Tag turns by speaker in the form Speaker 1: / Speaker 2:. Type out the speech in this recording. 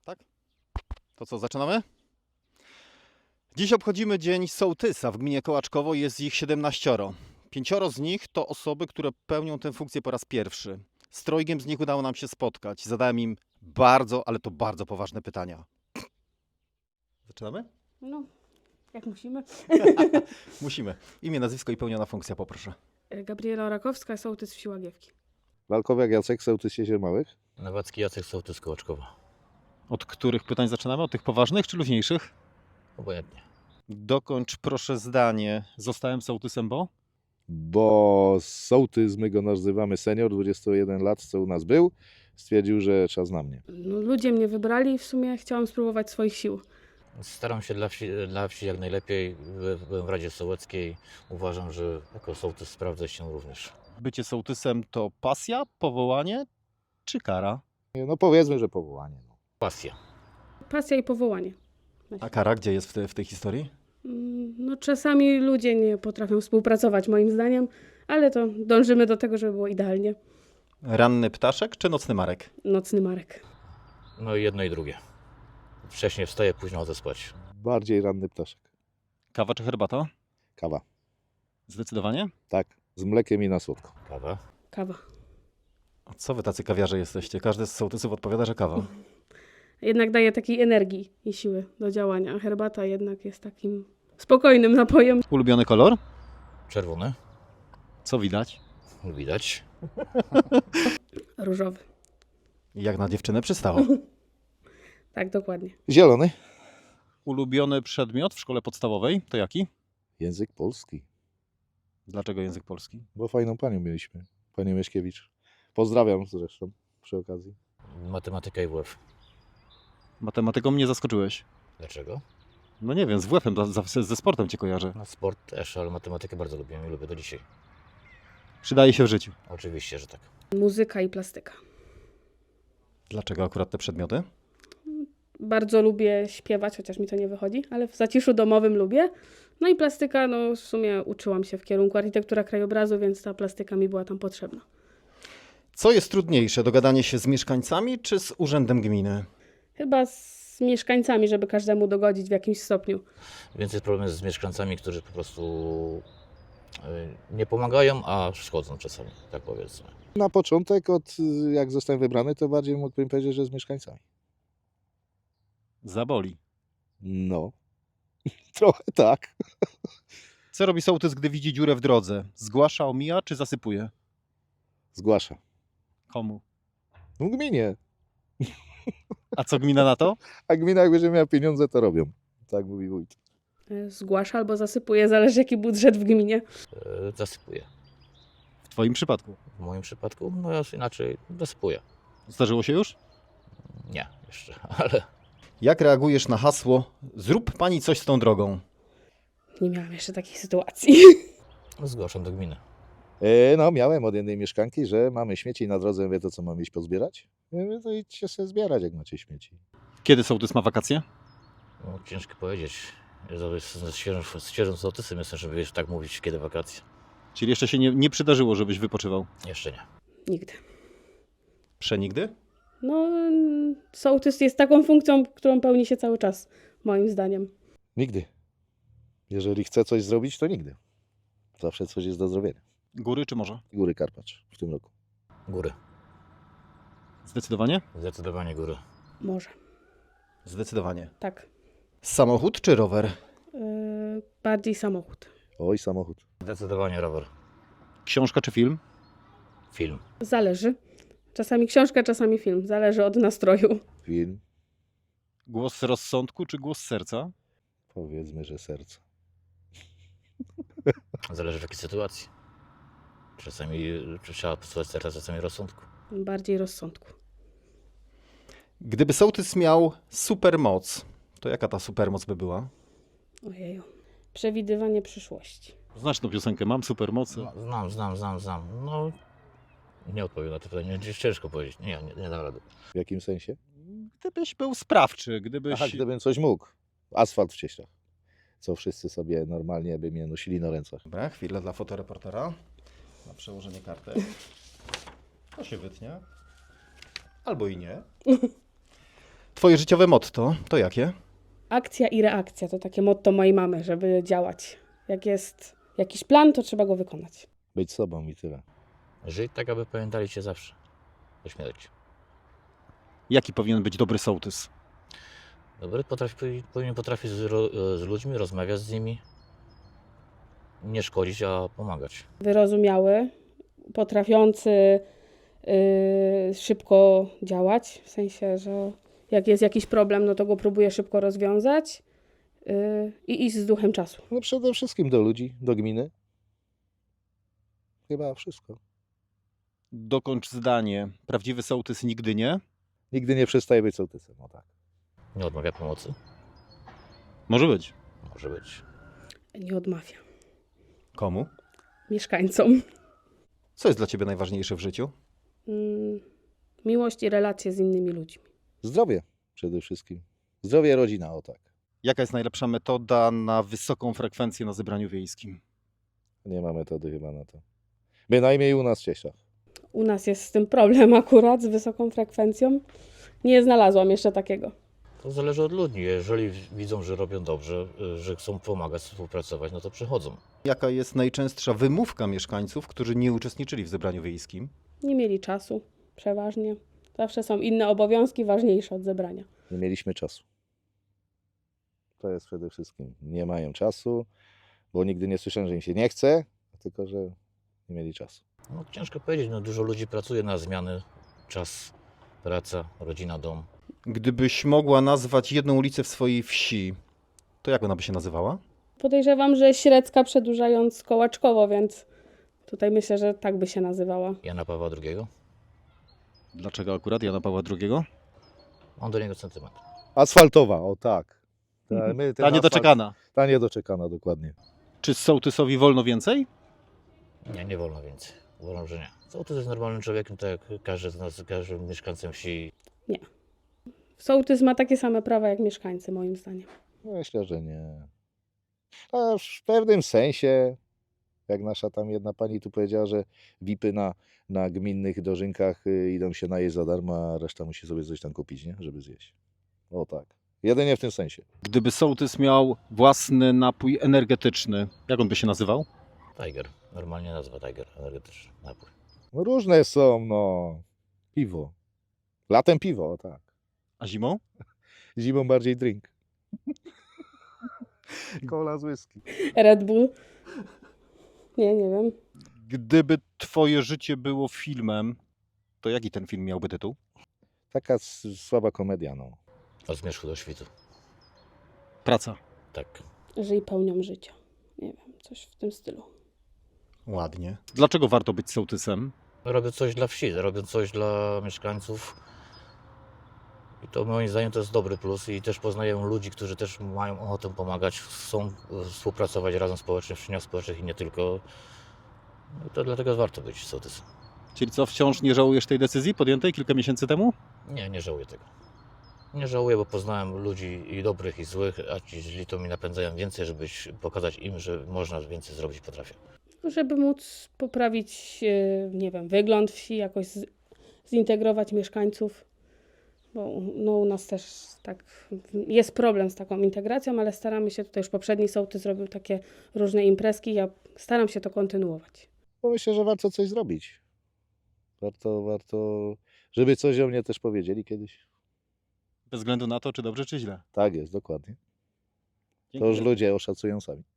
Speaker 1: Tak? To co, zaczynamy? Dziś obchodzimy Dzień Sołtysa w gminie Kołaczkowo. Jest ich 17. 5 z nich to osoby, które pełnią tę funkcję po raz pierwszy. Z 3 z nich udało nam się spotkać. Zadałem im bardzo, ale to bardzo poważne pytania. Zaczynamy?
Speaker 2: No, jak musimy.
Speaker 1: Musimy. Imię, nazwisko i pełniona funkcja, poproszę.
Speaker 2: Gabriela Orakowska, sołtys wsi Łagiewki.
Speaker 3: Walkowiak Jacek, sołtys Jezior Małych.
Speaker 4: Nawacki Jacek, sołtys Kołaczkowa.
Speaker 1: Od których pytań zaczynamy? Od tych poważnych czy luźniejszych?
Speaker 4: Obojętnie.
Speaker 1: Dokończ proszę zdanie. Zostałem sołtysem, bo?
Speaker 3: Bo sołtys, my go nazywamy senior, 21 lat, co u nas był, stwierdził, że czas na mnie.
Speaker 2: No, ludzie mnie wybrali i w sumie chciałam spróbować swoich sił.
Speaker 4: Staram się dla wsi jak najlepiej. Byłem w Radzie Sołeckiej. Uważam, że jako sołtys sprawdzę się również.
Speaker 1: Bycie sołtysem to pasja, powołanie czy kara?
Speaker 3: No powiedzmy, że powołanie. No.
Speaker 4: Pasja.
Speaker 2: Pasja i powołanie.
Speaker 1: A kara gdzie jest w tej historii?
Speaker 2: No, czasami ludzie nie potrafią współpracować moim zdaniem, ale to dążymy do tego, żeby było idealnie.
Speaker 1: Ranny ptaszek czy nocny marek?
Speaker 2: Nocny Marek.
Speaker 4: No i jedno i drugie. Wcześniej wstaję, późno chodzę spać.
Speaker 3: Bardziej ranny ptaszek.
Speaker 1: Kawa czy herbata?
Speaker 3: Kawa.
Speaker 1: Zdecydowanie.
Speaker 3: Tak, z mlekiem i na słodko.
Speaker 4: Kawa.
Speaker 2: Kawa.
Speaker 1: A co wy tacy kawiarze jesteście? Każdy z sołtysów odpowiada, że kawa.
Speaker 2: Jednak daje takiej energii i siły do działania, a herbata jednak jest takim spokojnym napojem.
Speaker 1: Ulubiony kolor?
Speaker 4: Czerwony.
Speaker 1: Co widać?
Speaker 4: Widać.
Speaker 2: Różowy.
Speaker 1: Jak na dziewczynę przystało.
Speaker 2: Tak, dokładnie.
Speaker 3: Zielony.
Speaker 1: Ulubiony przedmiot w szkole podstawowej to jaki?
Speaker 3: Język polski.
Speaker 1: Dlaczego język polski?
Speaker 3: Bo fajną panią mieliśmy, panią Mieszkiewicz. Pozdrawiam zresztą przy okazji.
Speaker 4: Matematyka i WF.
Speaker 1: Matematyką mnie zaskoczyłeś.
Speaker 4: Dlaczego?
Speaker 1: No nie wiem, z WF-em, ze sportem cię kojarzę.
Speaker 4: No, sport też, ale matematykę bardzo lubię i lubię do dzisiaj.
Speaker 1: Przydaje się w życiu.
Speaker 4: Oczywiście, że tak.
Speaker 2: Muzyka i plastyka.
Speaker 1: Dlaczego akurat te przedmioty?
Speaker 2: Bardzo lubię śpiewać, chociaż mi to nie wychodzi, ale w zaciszu domowym lubię. No i plastyka, no w sumie uczyłam się w kierunku architektura krajobrazu, więc ta plastyka mi była tam potrzebna.
Speaker 1: Co jest trudniejsze, dogadanie się z mieszkańcami czy z urzędem gminy?
Speaker 2: Chyba z mieszkańcami, żeby każdemu dogodzić w jakimś stopniu.
Speaker 4: Więcej problem jest z mieszkańcami, którzy po prostu nie pomagają, a szkodzą czasami, tak powiedzmy.
Speaker 3: Na początek, jak zostałem wybrany, to bardziej mógłbym powiedzieć, że z mieszkańcami.
Speaker 1: Zaboli.
Speaker 3: No, trochę tak.
Speaker 1: Co robi sołtys, gdy widzi dziurę w drodze? Zgłasza, omija czy zasypuje?
Speaker 3: Zgłasza.
Speaker 1: Komu?
Speaker 3: No gminie.
Speaker 1: A co gmina na to?
Speaker 3: A gmina jak będzie miała pieniądze, to robią. Tak mówi wójt.
Speaker 2: Zgłasza albo zasypuje, zależy jaki budżet w gminie.
Speaker 4: Zasypuję.
Speaker 1: W twoim przypadku.
Speaker 4: W moim przypadku, no ja inaczej zasypuję.
Speaker 1: Zdarzyło się już?
Speaker 4: Nie, jeszcze, ale
Speaker 1: Jak reagujesz na hasło zrób pani coś z tą drogą?
Speaker 2: Nie miałam jeszcze takiej sytuacji.
Speaker 4: zgłaszam do gminy.
Speaker 3: No, miałem od jednej mieszkanki, że mamy śmieci na drodze, wie to co mam iść pozbierać. Ja mówię, to idźcie sobie zbierać, jak macie śmieci.
Speaker 1: Kiedy sołtys ma wakacje?
Speaker 4: No, ciężko powiedzieć. Ja z świeżym sołtysem jestem, żeby wiesz, tak mówić, kiedy wakacje.
Speaker 1: Czyli jeszcze się nie przydarzyło, żebyś wypoczywał?
Speaker 4: Jeszcze nie.
Speaker 2: Nigdy.
Speaker 1: Przenigdy?
Speaker 2: No, sołtys jest taką funkcją, którą pełni się cały czas, moim zdaniem.
Speaker 3: Nigdy. Jeżeli chcę coś zrobić, to nigdy. Zawsze coś jest do zrobienia.
Speaker 1: Góry czy morze?
Speaker 3: Góry Karpacz w tym roku.
Speaker 4: Góry.
Speaker 1: Zdecydowanie?
Speaker 4: Zdecydowanie góry.
Speaker 2: Może.
Speaker 1: Zdecydowanie.
Speaker 2: Tak.
Speaker 1: Samochód czy rower?
Speaker 2: Bardziej samochód.
Speaker 3: Oj, samochód.
Speaker 4: Zdecydowanie rower.
Speaker 1: Książka czy film?
Speaker 4: Film.
Speaker 2: Zależy. Czasami książka, czasami film. Zależy od nastroju.
Speaker 3: Film.
Speaker 1: Głos rozsądku czy głos serca?
Speaker 3: Powiedzmy, że serce.
Speaker 4: Zależy w jakiej sytuacji. Czasami trzeba posłuchać serca, czasami rozsądku.
Speaker 2: Bardziej rozsądku.
Speaker 1: Gdyby sołtys miał supermoc, to jaka ta supermoc by była?
Speaker 2: Ojeju. Przewidywanie przyszłości.
Speaker 1: Znasz tą piosenkę, mam supermocy.
Speaker 4: No, znam. No, nie odpowiem na to pytanie. Ciężko powiedzieć. Nie dam rady.
Speaker 3: W jakim sensie?
Speaker 1: Gdybyś był sprawczy, gdybyś...
Speaker 3: Aha, gdybym coś mógł. Asfalt w Cieślach. Co wszyscy sobie normalnie by mnie nosili na rękach.
Speaker 1: Dobra, chwilę dla fotoreportera. Na przełożenie kartek. To się wytnie. Albo i nie. Twoje życiowe motto to jakie?
Speaker 2: Akcja i reakcja to takie motto mojej mamy, żeby działać. Jak jest jakiś plan, to trzeba go wykonać.
Speaker 3: Być sobą i tyle.
Speaker 4: Żyć tak, aby pamiętali cię zawsze. Po śmierci.
Speaker 1: Jaki powinien być dobry sołtys?
Speaker 4: Dobry powinien potrafić z ludźmi, rozmawiać z nimi. Nie szkodzić, a pomagać.
Speaker 2: Wyrozumiały, potrafiący szybko działać, w sensie, że jak jest jakiś problem, no to go próbuje szybko rozwiązać i iść z duchem czasu.
Speaker 3: No przede wszystkim do ludzi, do gminy. Chyba wszystko.
Speaker 1: Dokończ zdanie. Prawdziwy sołtys nigdy nie.
Speaker 3: Nigdy nie przestaje być sołtysem, o tak.
Speaker 4: Nie odmawia pomocy.
Speaker 1: Może być.
Speaker 4: Może być.
Speaker 2: Nie odmawia
Speaker 1: Komu?
Speaker 2: mieszkańcom.
Speaker 1: Co jest dla ciebie najważniejsze w życiu?
Speaker 2: Miłość i relacje z innymi ludźmi.
Speaker 3: Zdrowie przede wszystkim. Zdrowie, rodzina, o tak.
Speaker 1: Jaka jest najlepsza metoda na wysoką frekwencję na zebraniu wiejskim?
Speaker 3: Nie ma metody chyba na to. Bynajmniej u nas w Cieszach.
Speaker 2: U nas jest z tym problem akurat, z wysoką frekwencją. Nie znalazłam jeszcze takiego.
Speaker 4: To zależy od ludzi. Jeżeli widzą, że robią dobrze, że chcą pomagać, współpracować, no to przychodzą.
Speaker 1: Jaka jest najczęstsza wymówka mieszkańców, którzy nie uczestniczyli w zebraniu wiejskim?
Speaker 2: Nie mieli czasu, przeważnie. Zawsze są inne obowiązki ważniejsze od zebrania.
Speaker 3: Nie mieliśmy czasu. To jest przede wszystkim. Nie mają czasu, bo nigdy nie słyszałem, że im się nie chce, tylko że nie mieli czasu.
Speaker 4: No, ciężko powiedzieć, no, dużo ludzi pracuje na zmiany. Czas, praca, rodzina, dom.
Speaker 1: Gdybyś mogła nazwać jedną ulicę w swojej wsi, to jak ona by się nazywała?
Speaker 2: Podejrzewam, że Średzka przedłużając Kołaczkowo, więc tutaj myślę, że tak by się nazywała.
Speaker 4: Jana Pawła II.
Speaker 1: Dlaczego akurat Jana Pawła II?
Speaker 4: Mam do niego sentyment.
Speaker 3: Asfaltowa, o tak.
Speaker 1: Ta niedoczekana.
Speaker 3: Ta niedoczekana, dokładnie.
Speaker 1: Czy sołtysowi wolno więcej?
Speaker 4: Nie, nie wolno więcej. Uważam, że nie. Sołtys jest normalnym człowiekiem, tak jak każdy z nas, każdy mieszkańcem wsi.
Speaker 2: Sołtys ma takie same prawa jak mieszkańcy, moim zdaniem.
Speaker 3: Myślę, że nie. A w pewnym sensie, jak nasza tam jedna pani tu powiedziała, że VIP-y na gminnych dożynkach idą się najeść za darmo, a reszta musi sobie coś tam kupić, nie? Żeby zjeść. O tak. Jedynie w tym sensie.
Speaker 1: Gdyby sołtys miał własny napój energetyczny, jak on by się nazywał?
Speaker 4: Tiger. Normalnie nazwa Tiger. Energetyczny napój.
Speaker 3: No różne są, no. Piwo. Latem piwo, o tak.
Speaker 1: A zimą?
Speaker 3: Zimą bardziej drink. Cola z whisky.
Speaker 2: Red Bull. Nie wiem.
Speaker 1: Gdyby twoje życie było filmem, to jaki ten film miałby tytuł?
Speaker 3: Taka słaba komedia, no.
Speaker 4: Od zmierzchu do świtu.
Speaker 1: Praca.
Speaker 4: Tak.
Speaker 2: Żyj pełnią życia. Nie wiem, coś w tym stylu.
Speaker 1: Ładnie. Dlaczego warto być sołtysem?
Speaker 4: Robię coś dla wsi, robię coś dla mieszkańców. I to moim zdaniem to jest dobry plus i też poznaję ludzi, którzy też mają ochotę pomagać, chcą współpracować razem społecznie, w czyniach społecznych i nie tylko. No i to dlatego warto być sołtysem.
Speaker 1: Czyli co, wciąż nie żałujesz tej decyzji podjętej kilka miesięcy temu?
Speaker 4: Nie, nie żałuję tego. Nie żałuję, bo poznałem ludzi i dobrych, i złych, a ci źli to mi napędzają więcej, żeby pokazać im, że można więcej zrobić, potrafię.
Speaker 2: Żeby móc poprawić, nie wiem, wygląd wsi, jakoś zintegrować mieszkańców. Bo no, u nas też tak jest problem z taką integracją, ale staramy się, tutaj już poprzedni sołtys zrobił takie różne imprezki, ja staram się to kontynuować.
Speaker 3: Bo myślę, że warto coś zrobić. Warto, żeby coś o mnie też powiedzieli kiedyś.
Speaker 1: Bez względu na to, czy dobrze, czy źle.
Speaker 3: Tak jest, dokładnie. To
Speaker 1: Dzięki
Speaker 3: już
Speaker 1: wielkie.
Speaker 3: ludzie oszacują sami.